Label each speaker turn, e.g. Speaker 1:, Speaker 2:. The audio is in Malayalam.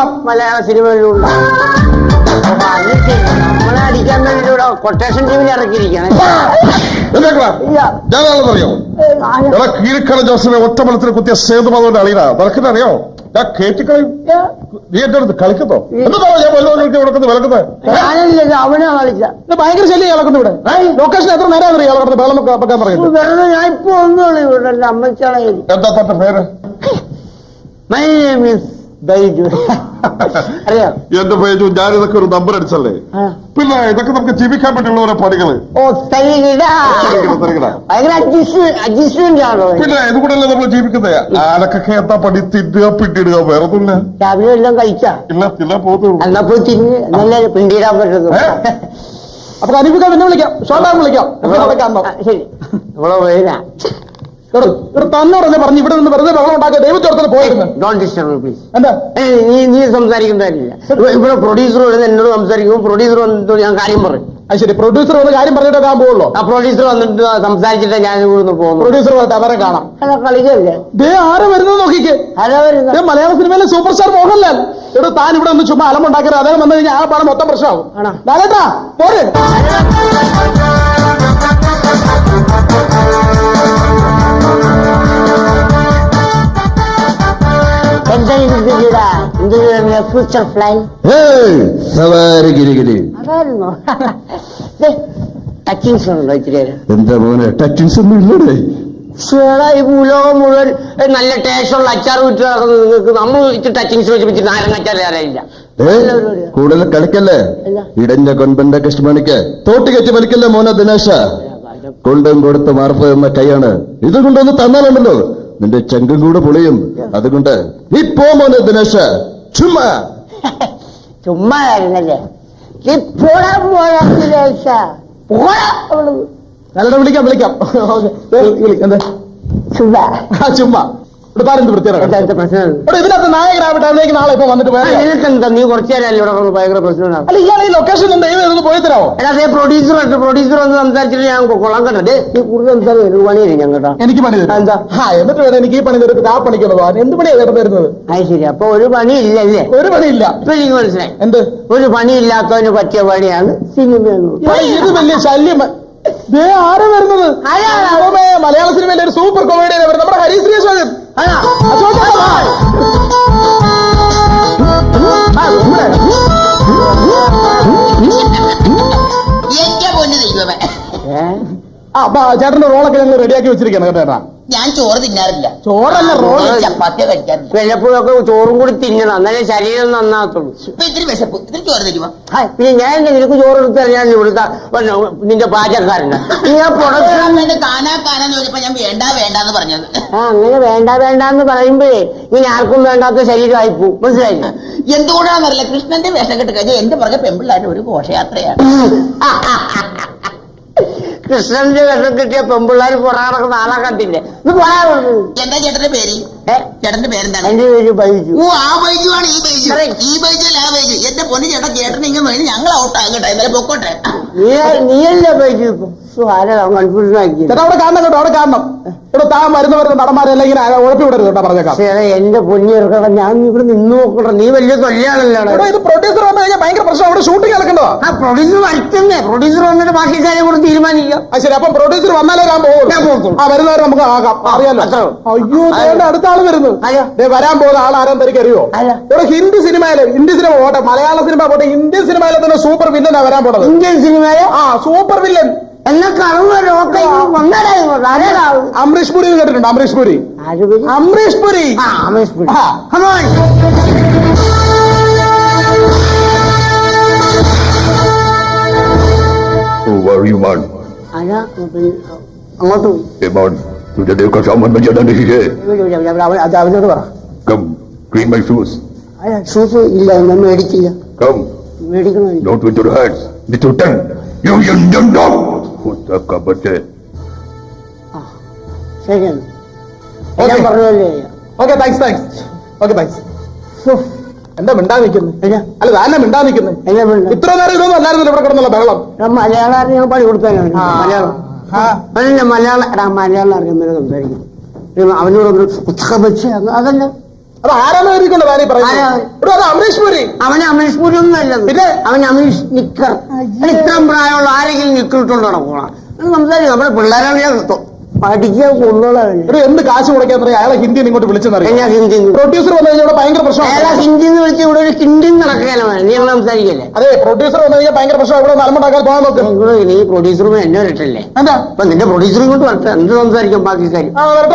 Speaker 1: മലയാള സിനിമയിലൂടെ നമ്മളെ അടിക്കാൻ വേണ്ടിയിട്ട് കൊട്ടേഷൻ ടീമിൽ ഇറക്കിയിരിക്കുകയാണ്.
Speaker 2: ഞാനാണെന്നറിയോ? കീഴ്ക്കട ജോസിനെ ഒറ്റമലത്തിൽ കുത്തിയ സേതുമാധവന്റെ അളിയനാ. നിനക്കിനെ അറിയോ? ഞാൻ കേട്ടിക്കളയും. നീ എന്റെ അടുത്ത് കളിക്കുന്നോ? എന്താ ഞാൻ വിളക്കുന്നത് വിളക്കുന്നത്?
Speaker 1: ഞാനല്ല, അവനാ കളിച്ച.
Speaker 3: ഭയങ്കര ശല്യം ഇളക്കുന്നു ഇവിടെ. ലൊക്കേഷൻ എത്ര നേരം അറിയാം ഇളക്കുന്നത് വെള്ളം വെക്കാൻ പറയുന്നത്?
Speaker 1: വെറുതെ ഞാൻ ഇപ്പൊ ഒന്നുള്ളൂ ഇവിടെ അമ്മച്ചാളെ.
Speaker 2: എന്താ തന്റെ പേര്?
Speaker 1: My name is Baiju. അറിയാം
Speaker 2: എന്റെ ബൈജു. ഞാൻ ഇതൊക്കെ ഒരു നമ്പർ അടിച്ചല്ലേ? പിന്നെ ഇതൊക്കെ നമുക്ക് ജീവിക്കാൻ പറ്റുള്ള ഓരോ പണികള്.
Speaker 1: ഓ തരികിട. ഭയങ്കര അഡ്ജസ്റ്റ്മെന്റ് ആണോ?
Speaker 2: പിന്നെ ഇത് കൂടെയല്ലേ നമ്മൾ ജീവിക്കുന്നത്. ആരൊക്കെ എന്താ പണി? തിന്നുക പിന്നിടുക, വേറെ ഒന്നുമില്ല.
Speaker 1: രാവിലെ എല്ലാം കഴിച്ചാ?
Speaker 2: ഇല്ല തിന്നാൻ പോകുന്നു.
Speaker 1: എന്നാ പോയി തിന്ന് നല്ല പിണ്ടിയിടാൻ പറ്റുന്നു.
Speaker 3: അപ്പൊ അനിപ്പിക്കാൻ പിന്നെ വിളിക്കാം, ഷോട്ടാൻ വിളിക്കാം.
Speaker 1: ശരി ഇവിടെ വരാ.
Speaker 3: ഇവിടെ തന്നെ പറഞ്ഞു ഇവിടെ നിന്ന് വെറുതെ വെള്ളം ഉണ്ടാക്കിയ ദൈവത്തോടത്തിന് പോയിരുന്നു.
Speaker 1: Don't disturb please.
Speaker 3: എന്താ
Speaker 1: നീ സംസാരിക്കുന്നതല്ല. ഇവിടെ പ്രൊഡ്യൂസർ വന്ന് എന്നോട് സംസാരിക്കുമ്പോൾ പ്രൊഡ്യൂസർ വന്നിട്ട് ഞാൻ കാര്യം പറയും.
Speaker 3: അത് ശരി, പ്രൊഡ്യൂസർ വന്ന് കാര്യം പറഞ്ഞിട്ട് ഞാൻ പോകുള്ളൂ.
Speaker 1: ആ പ്രൊഡ്യൂസർ വന്നിട്ട് സംസാരിച്ചിട്ട് ഞാൻ ഇവിടുന്ന് പോകുന്നു.
Speaker 3: പ്രൊഡ്യൂസർ വന്നിട്ട് അവരെ കാണാം.
Speaker 1: അല്ല കളിക്കല്ലേ?
Speaker 3: ആരെ വരുന്നത് നോക്കിക്കേ.
Speaker 1: ആരാ വരുന്നത്?
Speaker 3: മലയാള സിനിമയിലെ സൂപ്പർ സ്റ്റാർ മോഹൻലാൽ. ഇവിടെ താൻ ഇവിടെ ഒന്ന് ചുമ്മാ അലമുണ്ടാക്കരുത്. അദ്ദേഹം വന്നു കഴിഞ്ഞാൽ ആ പാടം മൊത്തം പ്രശ്നമാവും. ലാലേട്ടാ പോരെ.
Speaker 1: Future plan അതായിരുന്നോ? ടച്ചിങ്സ് ഉണ്ടോ ഇച്ചിരി?
Speaker 2: എന്താ മോനെ ടച്ചിങ്സ് ഒന്നും ഇല്ലേ?
Speaker 1: ഈ ഭൂലോകം മുഴുവൻ നല്ല ടേസ്റ്റുള്ള അച്ചാർ വിറ്റ് നിങ്ങൾക്ക് നമ്മൾ ഇച്ചിരി ടച്ചിങ്സ് വെച്ച് നാരങ്ങച്ചാർ അറിയില്ല.
Speaker 2: കൂടുതൽ കളിക്കല്ലേ? ഇടഞ്ഞ കൊൻപന്റെ കൃഷ്ണമണിക്ക് തോട്ടി കെട്ടി വലിക്കല്ലേ മോനെ ദിനേശ. കൊണ്ടും കൊടുത്ത് മാർഫ് എന്ന കൈയാണ്. ഇത് കൊണ്ടൊന്ന് തന്നാലുണ്ടല്ലോ നിന്റെ ചങ്കും കൂടെ പൊളിയും. അതുകൊണ്ട് നീ പോ മോനെ ദിനേശ. ചുമ്മാ
Speaker 1: ചുമ്മാ ആയിരുന്നല്ലേ?
Speaker 3: വിളിക്കാം വിളിക്കാം. എന്താ ചുമ്മാ ഇവിടെ താരെന്ത് വൃത്തിയാണ് ഇതിനകത്ത് നായകനാവട്ടെ. അതിലേക്ക് നാളെ ഇപ്പൊ വന്നിട്ട്
Speaker 1: നിനക്കെന്താ? നീ കുറച്ചു നേരം ഇവിടെ ഭയങ്കര പ്രശ്നമാണ്.
Speaker 3: അല്ല ഇയാൾ ഈ ലൊക്കേഷൻ പോയി തരാമോ?
Speaker 1: അതേ പ്രൊഡ്യൂസർ വന്ന് സംസാരിച്ചിട്ട് ഞാൻ കൊള്ളാൻ കണ്ടത്. നീ കൂടുതൽ സംസാരിക്കും പണി തരും ഞങ്ങട്ടാ.
Speaker 3: എനിക്ക് പണി തരും. എന്താ എന്നിട്ട് വേണം എനിക്ക് ഈ പണി തരും. ആ പണിക്കുള്ളത് എന്ത് പണിയാണ് ചേട്ടൻ തരുന്നത്?
Speaker 1: അത് ശരി. അപ്പൊ ഒരു പണി ഇല്ലല്ലേ?
Speaker 3: ഒരു പണിയില്ല.
Speaker 1: ഇപ്പൊ എനിക്ക് മനസ്സിലായി.
Speaker 3: എന്ത്?
Speaker 1: ഒരു പണിയില്ലാത്തവന് പറ്റിയ പണിയാണ് സിനിമ.
Speaker 3: ഇത് വലിയ ശല്യം. ആരാ വരുന്നത്? മലയാള സിനിമയിലെ ഒരു സൂപ്പർ കോമഡിയാണ് വരുന്നത്. നമ്മുടെ ഹരിശ്രീ അശോകൻ. ചേട്ടന്റെ റോളൊക്കെ ഞങ്ങൾ റെഡിയാക്കി വെച്ചിരിക്കണം കേട്ടോ.
Speaker 4: ഞാൻ ചോറ് തിന്നാറില്ല.
Speaker 3: ചോറല്ല റോള്,
Speaker 4: ചപ്പാത്തി കഴിക്കാറില്ല.
Speaker 1: വല്ലപ്പോഴൊക്കെ ചോറും കൂടി തിന്നണം, എന്നാലേ ശരീരം നന്നാകത്തുള്ളൂ.
Speaker 4: ഇപ്പൊ ഇത്തിരി വിശപ്പ്, ഇത്തിരി ചോറ് തരുമോ?
Speaker 1: പിന്നെ ഞാൻ നിനക്ക് ചോറ് എടുത്ത് ഞാൻ ഇവിടുത്തെ നിന്റെ പാചകക്കാരനാ.
Speaker 4: കാനാന്ന് ചോദിച്ചപ്പോ ഞാൻ വേണ്ട വേണ്ടെന്ന് പറഞ്ഞത്.
Speaker 1: അങ്ങനെ വേണ്ടാന്ന് പറയുമ്പോഴേ ഇനി ആർക്കും വേണ്ടാത്ത ശരീരമായി പോവും. മനസ്സിലായില്ല?
Speaker 4: എന്തുകൊണ്ടാണെന്നറിയില്ല, കൃഷ്ണന്റെ വേഷം കെട്ട് കഴിഞ്ഞാൽ എന്റെ പുറകെ പെമ്പിള്ളായിട്ട് ഒരു ഘോഷയാത്രയാണ്.
Speaker 1: കൃഷ്ണന്റെ വേഷം കിട്ടിയ പെമ്പിള്ളാർ പുറകിടക്കുന്ന ആളെ കണ്ടില്ലേ? ഇത്
Speaker 4: എന്താ ചേട്ടന്റെ പേര്? ചേട്ടന്റെ പേരെന്താണ്?
Speaker 1: എന്റെ പേര് ബൈജു.
Speaker 4: ഓ ആ ബൈജു ആണ് ഈ ബൈജു. ഈ ബൈജു അല്ല ആ ബൈജു. എന്റെ പൊന്നു ചേട്ടൻ ചേട്ടൻ ഇങ്ങനെ വേണ്ടി ഞങ്ങൾ ഔട്ടാകട്ടെ, എന്നാലും പൊക്കോട്ടെ.
Speaker 1: നീയല്ലേ ബൈജു? ഇപ്പൊ കൺഫ്യൂഷൻ ആക്കി.
Speaker 3: അവിടെ കാണണം കേട്ടോ, അവിടെ കാണണം. ഇവിടെ താൻ വരുന്ന നടന്മാരെല്ലാം ഇങ്ങനെ ഉഴപ്പി വിടരുത് കേട്ടോ, പറഞ്ഞേക്കാം.
Speaker 1: എന്റെ പൊന്നിറക്കണം, ഞാൻ ഇവിടെ നിന്ന് നോക്കട്ടെ. നീ വലിയ തൊല്ലിയാണല്ലോ.
Speaker 3: ഇത് പ്രൊഡ്യൂസർ വന്നു കഴിഞ്ഞാൽ ഭയങ്കര പ്രശ്നം. അവിടെ ഷൂട്ടിംഗ് നടക്കണ്ടോ?
Speaker 1: ആ പ്രൊഡ്യൂസർ വരുത്തുന്നേ. പ്രൊഡ്യൂസർ വന്നിട്ട് ബാക്കി കാര്യം കൂടെ തീരുമാനിക്കാം.
Speaker 3: ശരി, അപ്പം പ്രൊഡ്യൂസർ വന്നാലേ ഞാൻ പോകും. ആ വരുന്നവരെ നമുക്ക് ആകാം. അറിയാലോ. അയ്യോ അടുത്ത ആള് വരുന്നു. വരാൻ പോകുന്ന ആളാരാൻ തനിക്ക് അറിയോ? ഇവിടെ ഹിന്ദി സിനിമ പോട്ടെ, മലയാള സിനിമ പോട്ടെ, ഇന്ത്യൻ സിനിമയിലെ തന്നെ സൂപ്പർ വില്ലനാ വരാൻ പോണത്.
Speaker 1: ഇന്ത്യൻ സിനിമയിലെ
Speaker 3: സൂപ്പർ വില്ലൻ
Speaker 1: എന്നാ
Speaker 3: അമരീഷ് പുരി കേട്ടിട്ടുണ്ട്? അമരീഷ് പുരി. അമരീഷ് പുരി.
Speaker 1: അങ്ങോട്ട്
Speaker 2: तुझे देखकर सामान में ज्यादा नहीं है.
Speaker 1: അവനോട് പറ.
Speaker 2: Come, clean my shoes.
Speaker 1: Shoes ഇല്ല, ഞാൻ മേടിച്ചില്ല.
Speaker 2: Come.
Speaker 1: മേടിക്കണോ?
Speaker 2: Not with your hands, with your tongue. You young dog. Who's का बच्चे?
Speaker 1: ശരിയാണ്. ഞാൻ പറഞ്ഞല്ലേ.
Speaker 3: Okay thanks. Okay thanks. എന്താ മിണ്ടാ നിൽക്കുന്നത്? അല്ല താനെ മിണ്ടാ നിൽക്കുന്നത്. ഇത്ര നേരം ഇതൊന്നും അല്ലായിരുന്നു ഇവിടെ കിടന്നുള്ള ബഹളം.
Speaker 1: മലയാളം ഞാൻ പണി കൊടുക്കാനാണ്. മലയാളം മലയാളം അറിയാൻ സംസാരിക്കും. അവനോടൊന്ന് പുസ്തകം വെച്ച് അതല്ല
Speaker 3: അത് ആരാന്ന് കരുതിക്കൊണ്ട് താനീ പറയുന്നത്
Speaker 1: ആരാ?
Speaker 3: എടോ, അത് അമരീഷ് പുരി.
Speaker 1: അവന് അമീഷ് പൂരി ഒന്നും അല്ലത്.
Speaker 3: പിന്നെ?
Speaker 1: അവൻ അമീഷ് നിക്കർ. ഇത്രയും പ്രായമുള്ള ആരെങ്കിലും നിക്കറിട്ടുണ്ടോ നടക്കണം? സംസാരിക്കും. നമ്മുടെ പിള്ളേരാണ് ഞാൻ പഠിക്കാൻ കൊന്നോളാം.
Speaker 3: എടോ, എന്ത് കാശ് മുടക്കാൻ പറയാം അയാളെ ഹിന്ദിയിൽ ഇങ്ങോട്ട് വിളിച്ചെന്നറിയാം.
Speaker 1: ഞാൻ ഹിന്ദി
Speaker 3: പ്രൊഡ്യൂസർ വന്നു കഴിഞ്ഞാൽ ഇവിടെ ഭയങ്കര
Speaker 1: അയാളെ
Speaker 3: പ്രശ്നമാണ്.
Speaker 1: ഹിന്ദി എന്ന് വിളിച്ച് ഇവിടെ ഒരു ഹിന്ദി നടക്കുകയല്ല. നീ ഞങ്ങൾ സംസാരിക്കല്ലേ?
Speaker 3: അതെ, പ്രൊഡ്യൂസർ വന്നു കഴിഞ്ഞാൽ ഭയങ്കര പ്രശ്നം. ഇവിടെ നലമുണ്ടാക്കാൻ പോകാൻ നോക്ക്.
Speaker 1: നീ പ്രൊഡ്യൂസറും എന്നെ വരട്ടല്ലേ?
Speaker 3: എന്താ
Speaker 1: അപ്പൊ നിന്റെ പ്രൊഡ്യൂസറും കൊണ്ട് വരട്ടെ. എന്ത് സംസാരിക്കും ബാക്കി കാര്യം?
Speaker 3: ആ, വരട്ടെ.